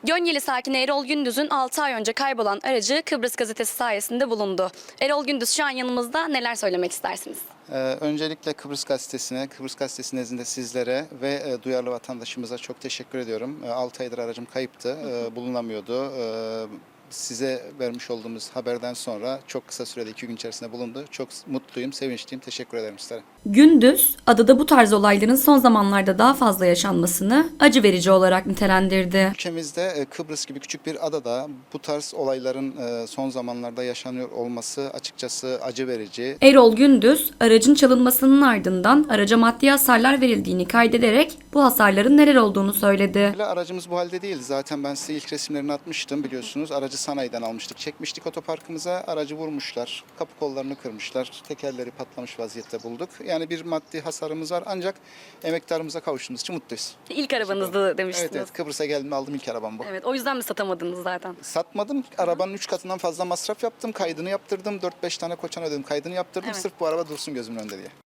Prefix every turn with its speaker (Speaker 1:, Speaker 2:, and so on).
Speaker 1: Gönyeli sakini Erol Gündüz'ün 6 ay önce kaybolan aracı Kıbrıs Gazetesi sayesinde bulundu. Erol Gündüz şu an yanımızda, neler söylemek istersiniz?
Speaker 2: Öncelikle Kıbrıs Gazetesi nezdinde sizlere ve duyarlı vatandaşımıza çok teşekkür ediyorum. 6 aydır aracım kayıptı, bulunamıyordu. Size vermiş olduğumuz haberden sonra çok kısa sürede 2 gün içerisinde bulundu. Çok mutluyum, sevinçliyim. Teşekkür ederim sizlere.
Speaker 1: Gündüz, adada bu tarz olayların son zamanlarda daha fazla yaşanmasını acı verici olarak nitelendirdi.
Speaker 2: Ülkemizde Kıbrıs gibi küçük bir adada bu tarz olayların son zamanlarda yaşanıyor olması açıkçası acı verici.
Speaker 1: Erol Gündüz, aracın çalınmasının ardından araca maddi hasarlar verildiğini kaydederek bu hasarların neler olduğunu söyledi.
Speaker 2: Aracımız bu halde değil. Zaten ben size ilk resimlerini atmıştım biliyorsunuz. Aracı sanayiden almıştık. Çekmiştik otoparkımıza. Aracı vurmuşlar. Kapı kollarını kırmışlar. Tekerleri patlamış vaziyette bulduk. Yani bir maddi hasarımız var. Ancak emektarımıza kavuştuğumuz için mutluyuz.
Speaker 1: İlk arabanızdı demiştiniz.
Speaker 2: Evet, Kıbrıs'a geldiğimde aldığım ilk arabam bu.
Speaker 1: Evet, o yüzden mi satamadınız zaten?
Speaker 2: Satmadım. Arabanın 3 katından fazla masraf yaptım. Kaydını yaptırdım. 4-5 tane koçan ödedim. Kaydını yaptırdım.
Speaker 1: Evet.
Speaker 2: Sırf bu araba dursun gözümün önünde diye.